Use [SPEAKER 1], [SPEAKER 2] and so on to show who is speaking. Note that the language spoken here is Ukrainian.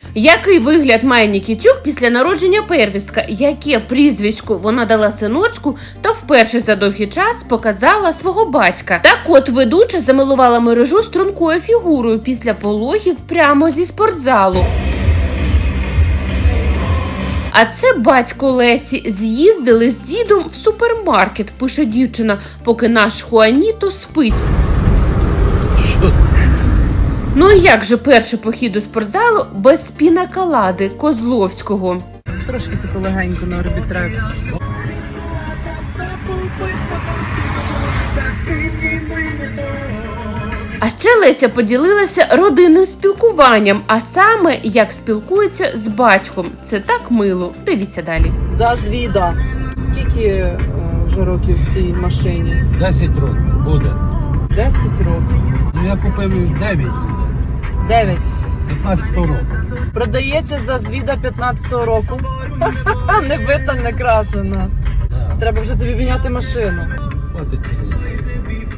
[SPEAKER 1] Який вигляд має Нікітюк після народження первістка? Яке прізвисько вона дала синочку та вперше за довгий час показала свого батька? Так от ведуча замилувала мережу стрункою фігурою після пологів прямо зі спортзалу. А це батько Лесі. З'їздили з дідом в супермаркет, пише дівчина, поки наш Хуаніто спить. Ну і як же перший похід до спортзалу без пінаколади Козловського?
[SPEAKER 2] Трошки тако легенько на орбітрек.
[SPEAKER 1] А ще Леся поділилася родинним спілкуванням, а саме, як спілкується з батьком. Це так мило. Дивіться далі.
[SPEAKER 2] Зазвіда. Скільки вже років в цій машині?
[SPEAKER 3] 10 років буде.
[SPEAKER 2] 10 років.
[SPEAKER 3] Ну я купив 9.
[SPEAKER 2] 9.
[SPEAKER 3] 15 років.
[SPEAKER 2] Продається зазвіда 15-го року. Не бита, не крашена. Треба вже тобі міняти машину.
[SPEAKER 3] Хватить різниця.